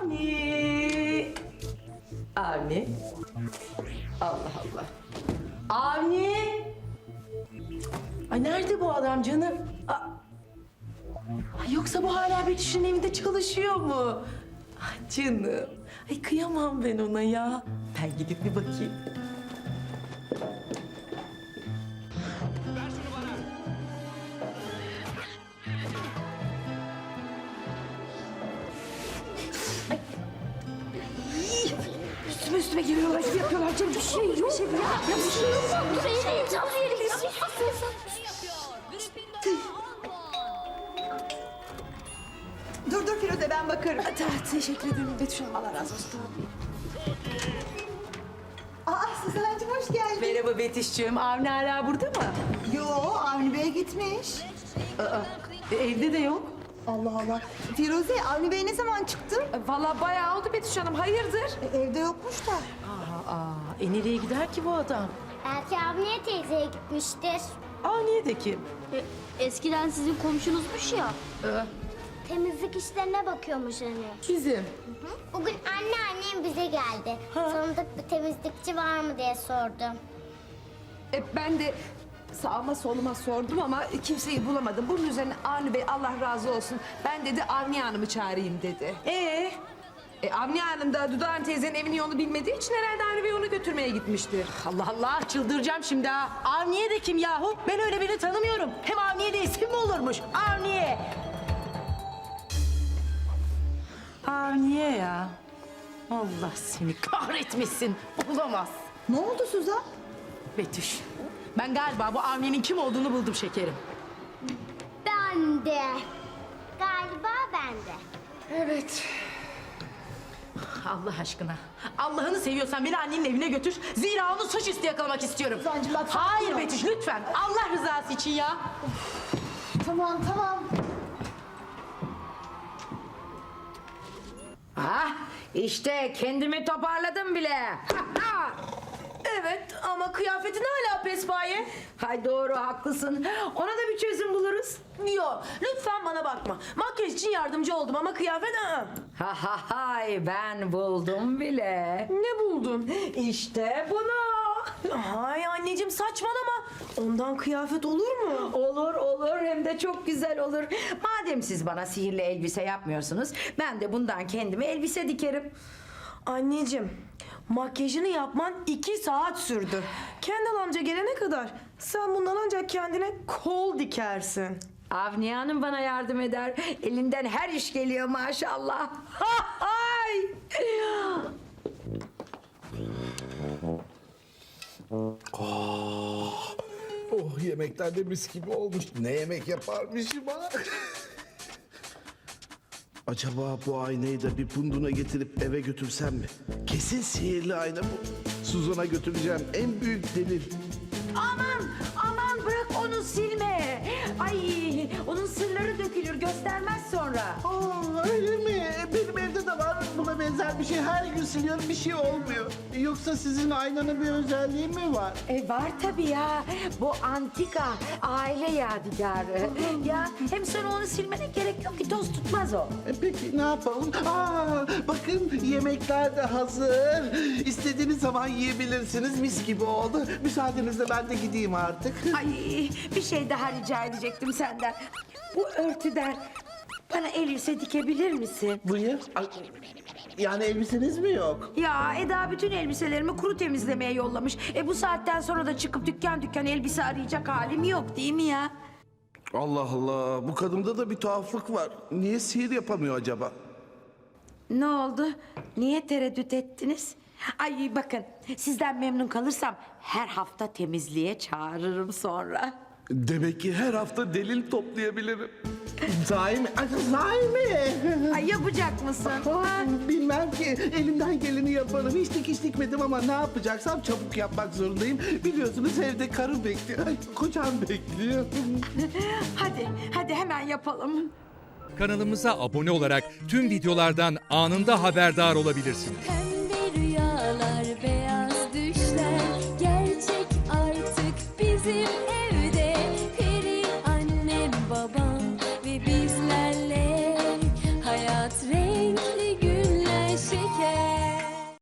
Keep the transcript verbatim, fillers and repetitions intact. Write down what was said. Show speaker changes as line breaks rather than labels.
Avni. Avni. Allah Allah. Avni. Ay nerede bu adam canım? Aa. Ay yoksa bu hala Betüş'ün evinde çalışıyor mu? Ay canım. Ay kıyamam ben ona ya. Ben gidip bir bakayım.
Üstüme üstüme geliyorlar, gibi yapıyorlar. Canım bir şey yok. Bir şey yok. Ya bir şey yok. Bir şey yok. Canım yerim.
Dur dur Firuze ben bakarım.
Ta- Teşekkür ederim Betüş Hanım. Allah razı olsun. Tamam.
Aa Suzan'cığım hoş geldin.
Merhaba Betüş'cüğüm. Avni hala burada mı?
Yo Avni Bey gitmiş.
E, evde de yok.
Allah Allah. Firuze Avni Bey ne zaman çıktı?
Vallahi bayağı oldu Betüş Hanım. Hayırdır?
E, evde yokmuş da.
Aa, aa, e nereye gider ki bu adam?
Belki Avniye teyzeye gitmiştir.
Avniye de kim?
E, eskiden sizin komşunuzmuş ya.
Ee,
Temizlik işlerine bakıyormuş hani.
bizim.
Bugün anneannem bize geldi. Tanıdık bir temizlikçi var mı diye sordum.
E, ben de sağıma soluma sordum ama kimseyi bulamadım. Bunun üzerine Avni Bey Allah razı olsun. Ben dedi Avni Hanım'ı çağırayım dedi.
Ee,
E, Avni Hanım da Dudağan teyzenin evinin yolunu bilmediği için herhalde Avni Bey onu götürmeye gitmiştir.
Allah Allah çıldıracağım şimdi ha. Avniye de kim yahu? Ben öyle birini tanımıyorum. Hem Avniye de isim mi olurmuş? Avniye. Avniye ya. Allah seni kahretmesin. Olamaz.
Ne oldu Suzan?
Betüş. Ben galiba bu Avniye'nin kim olduğunu buldum şekerim.
Ben de. Galiba ben de.
Evet.
Allah aşkına. Allah'ını seviyorsan beni annenin evine götür. Zira onu suçüstü yakalamak istiyorum.
Suzancığım bak-
Hayır Betüş lütfen. Allah rızası için ya.
Tamam tamam.
Ah, işte kendimi toparladım bile.
Evet ama kıyafetin hala pespaye.
Hay doğru haklısın. Ona da bir çözüm buluruz.
Yok lütfen bana bakma. Makyaj için yardımcı oldum ama kıyafet... ı-ı.
Ha ha hay ben buldum bile.
Ne buldun?
İşte bunu.
Ay anneciğim saçmalama. Ondan kıyafet olur mu?
Olur olur hem de çok güzel olur. Madem siz bana sihirli elbise yapmıyorsunuz, ben de bundan kendime elbise dikerim.
Anneciğim makyajını yapman iki saat sürdü. Kendal amca gelene kadar sen bundan ancak kendine kol dikersin.
Avniye Hanım bana yardım eder. Elinden her iş geliyor maşallah. Ha hay.
Oh yemekler de mis gibi olmuş. Ne yemek yaparmışım ha? Acaba bu aynayı da bir punduna getirip eve götürsem mi? Kesin sihirli ayna bu. Suzan'a götüreceğim en büyük delil.
Aman aman bırak onu silme. Ay onun sırları dökülür göstermez sonra.
Aa, öyle mi? Benim evde de var buna benzer bir şey. Her gün siliyorum bir şey olmuyor. Yoksa sizin aynanın bir özelliği mi var?
E var tabii ya. Bu antika aile yadigarı. Ya hem sonra onu silmene gerek yok ki toz tutmaz o.
E, peki ne yapalım? Aa, bakın yemekler de hazır. İstediğiniz zaman yiyebilirsiniz. Mis gibi oldu. Müsaadenizle ben de gideyim artık.
Ay bir şey daha rica edecektim senden. Bu örtüden bana elbise dikebilir misin?
Buyur. Ay, yani elbiseniz mi yok?
Ya Eda bütün elbiselerimi kuru temizlemeye yollamış. E bu saatten sonra da çıkıp dükkan dükkan elbise arayacak halim yok değil mi ya?
Allah Allah, bu kadında da bir tuhaflık var. Niye sihir yapamıyor acaba?
Ne oldu? Niye tereddüt ettiniz? Ay bakın sizden memnun kalırsam her hafta temizliğe çağırırım sonra.
Demek ki her hafta delil toplayabilirim.
Sahi mi? Ay, sahi mi?
Ay yapacak mısın?
Aa, bilmem ki. Elimden geleni yaparım. Hiç dikiş dikmedim ama ne yapacaksam çabuk yapmak zorundayım. Biliyorsunuz evde karım bekliyor. Ay, kocam bekliyor.
Hadi, hadi hemen yapalım.
Kanalımıza abone olarak tüm videolardan anında haberdar olabilirsiniz.